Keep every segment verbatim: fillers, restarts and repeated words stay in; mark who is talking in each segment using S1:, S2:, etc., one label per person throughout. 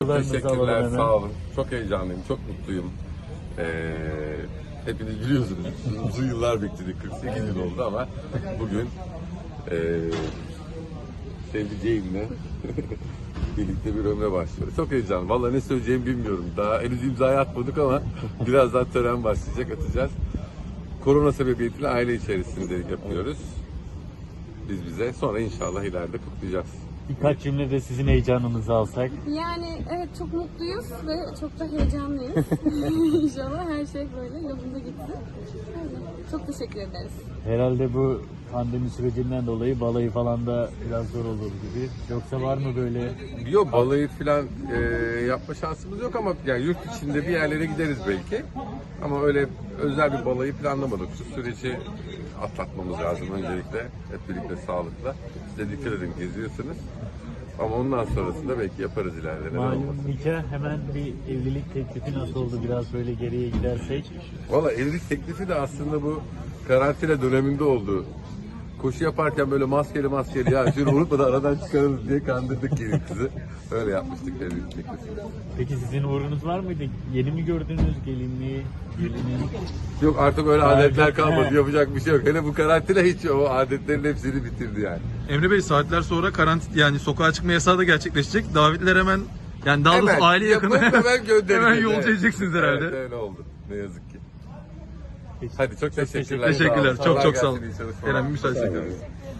S1: Teşekkürler, sağ olun. Çok heyecanlıyım, çok mutluyum. Ee, hepiniz biliyorsunuz, uzun yıllar bekledik, kırk sekiz yıl oldu ama bugün e, sevdiceğimle birlikte bir ömre başlıyoruz. Çok heyecanlıyım, vallahi ne söyleyeceğimi bilmiyorum. Daha henüz imzayı atmadık ama birazdan tören başlayacak, atacağız. Korona sebebiyetiyle aile içerisinde yapıyoruz. Biz bize, sonra inşallah ileride kutlayacağız.
S2: Birkaç cümle de sizin heyecanınızı alsak.
S3: Yani evet, çok mutluyuz ve çok da heyecanlıyız. İnşallah her şey böyle yolunda gitsin. Öyle. Çok teşekkür ederiz.
S2: Herhalde bu pandemi sürecinden dolayı balayı falan da biraz zor olur gibi. Yoksa var mı böyle?
S1: Yok, balayı falan e, yapma şansımız yok ama yani yurt içinde bir yerlere gideriz belki. Ama öyle özel bir balayı planlamadık. Şu süreci atlatmamız lazım öncelikle. Hep birlikte sağlıkla. Size dikkat edin, geziyorsunuz. Ama ondan sonrasında belki yaparız ileride. Neden
S2: Malum
S1: olmasın?
S2: nikah, hemen bir evlilik teklifi nasıl oldu, biraz böyle geriye gidersek?
S1: Valla evlilik teklifi de aslında bu karantina döneminde oldu. Koşu yaparken böyle maskeli maskeli ya şunu unutmadan aradan çıkarırız diye kandırdık gelin kızı. Öyle yapmıştık evlilik teklifini.
S2: Peki sizin uğrunuz var mıydı? Yeni mi gördünüz gelinliği, gelini?
S1: Yok, artık öyle
S2: Adet-
S1: adetler kalmadı,
S2: He.
S1: yapacak bir şey yok. Hele bu karantina hiç o adetlerin hepsini bitirdi yani.
S4: Emre Bey, saatler sonra karantin, yani sokağa çıkma yasağı da gerçekleşecek. Davetler hemen, yani daha doğrusu
S1: Hemen
S4: aile yakını
S1: yapıp hemen göndereceğiz.
S4: hemen yolcu
S1: Evet.
S4: edeceksiniz herhalde.
S1: Evet, öyle oldu. Ne yazık ki.
S2: Peki.
S1: Hadi çok teşekkürler.
S4: Teşekkürler.
S1: Sağ olun.
S4: Çok
S1: Kolay
S4: çok sağ olun.
S1: gelsin, iyi çalışmalar.
S4: Eren, bir müsaade
S1: Sağ olun.
S4: çekelim.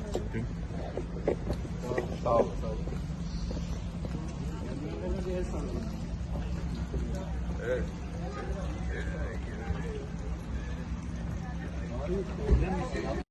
S1: Sağ olun. Evet.